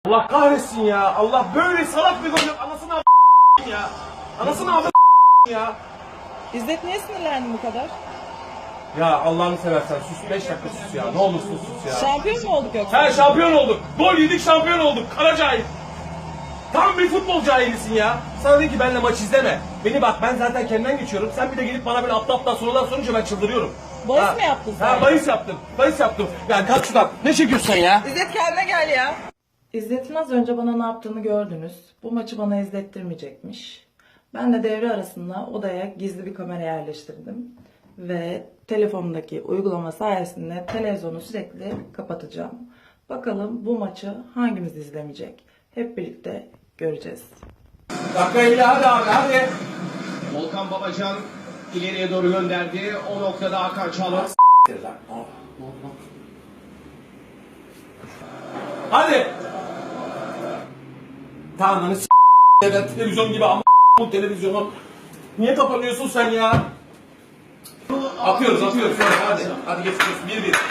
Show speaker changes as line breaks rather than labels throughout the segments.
Allah kahretsin ya. Allah böyle salak bir gol yok. Anasını ya. Anasını ya.
İzzet niye sinirlendin bu kadar?
Ya Allah'ını seversen sus 5 dakika sus ya. Ne olursun sus ya.
Şampiyon mu olduk yoksa?
He şampiyon olduk. Gol yedik şampiyon olduk. Kara cahil. Tam bir futbol cahilisin ya. Sana dedi ki benimle maç izleme. Beni bak ben zaten kendimden geçiyorum. Sen bir de gelip bana böyle aptal sorular sorunca ben çıldırıyorum.
Bahis mi yaptın sen?
Ha bahis yaptım. Bahis yaptım. Yani kalk şuradan. Ne çekiyorsun sen ya?
İzzet kendine gel ya. İzzet'in az önce bana ne yaptığını gördünüz. Bu maçı bana izlettirmeyecekmiş. Ben de devre arasında odaya gizli bir kamera yerleştirdim. Ve telefonumdaki uygulama sayesinde televizyonu sürekli kapatacağım. Bakalım bu maçı hangimiz izlemeyecek? Hep birlikte göreceğiz.
Dakika hadi abi hadi.
Volkan Babacan ileriye doğru gönderdi. O noktada Hakan Çalhanoğlu.
Hadi. Tamam hani evet televizyon gibi ama bu televizyonu. Niye kapanıyorsun sen ya? Atıyoruz. Hadi geçiyoruz.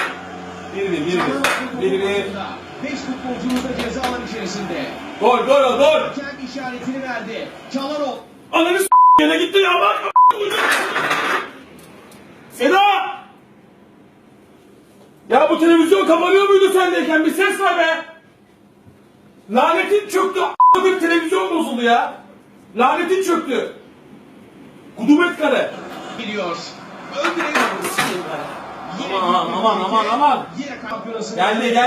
1-1.
5 futbolcumuz da ceza alan içerisinde.
Gol.
Kendi işaretini verdi. Çalhanoğlu.
Ananı yine gitti ya bak. Seda! Ya bu televizyon kapanıyor muydu sendeyken? Bir ses ver be! Lanetin çöktü. Bir televizyon bozuldu ya. Lanetin çöktü. Kudumet kare.
Gidiyor. Öldürüyor.
Aman.
Yine kampiyonası.
Geldi.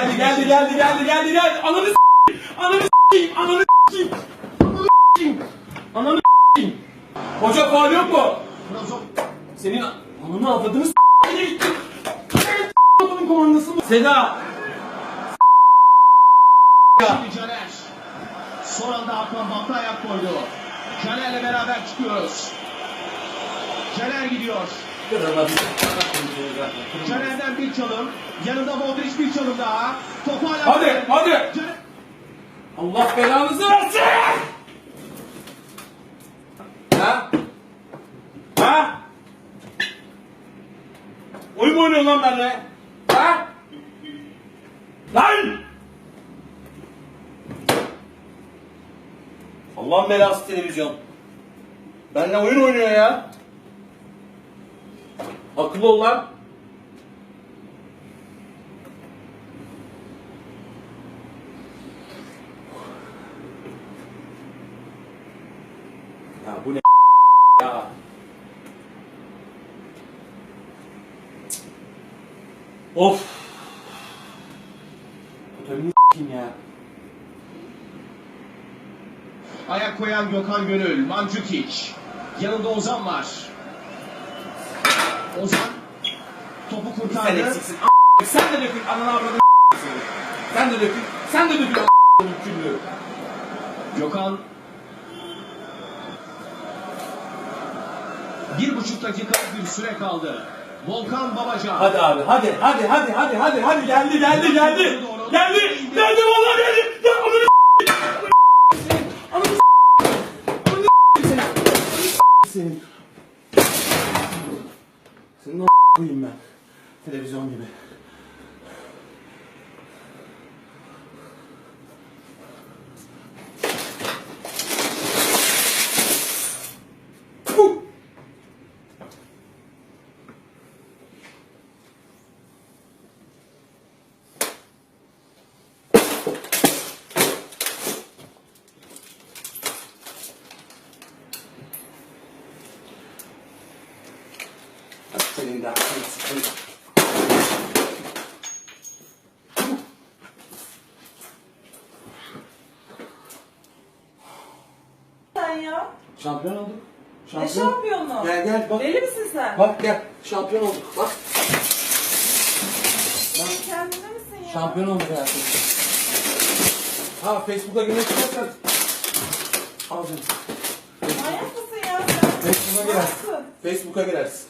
Ananı s**eyim. Hoca faul yok mu? Senin ananı avladığını s**eyim gitti. Adamın komandası mı? Seda.
Şimdi Caner. Son anda Hakan Batı ayak koydu. Caner'le beraber çıkıyoruz. Caner gidiyor. Caner'den bir çalım. Yanında Modric bir çalım daha. Topu hala...
Hadi.
Caner...
Allah belanızı versin. Ha? Oyun mu oynuyorsun lan benimle? Ha? Lan! Allah'ın belası televizyon. Benimle oyun oynuyor ya. Akıllı ol lan. Ya bu ne ya? Of. Totalini s**eyim ya.
Ayak koyan Gökhan Gönül. Mandzukic. Yanında Ozan var. Ozan topu
Sen
kurtardı.
eksiksin. Sen de dökün. Ananı avradını Sen de dökün. Küllü.
Gökhan 1,5 dakika bir süre kaldı. Volkan Babacan.
Hadi abi hadi geldi vallahi geldi. Ya senin o koyayım ben. Televizyon gibi. Senin de aklını sıkın.
Sen ya.
Şampiyon olduk.
Ne şampiyonu?
Gel bak.
Deli misin sen?
Bak gel. Şampiyon olduk. Bak.
Sen kendine misin ya?
Şampiyon olduk hayatım. Ha Facebook'a girmek istersen. Al canım.
Manyak mısın ya sen?
Facebook'a girersin.
Nasıl?
Facebook'a girersin.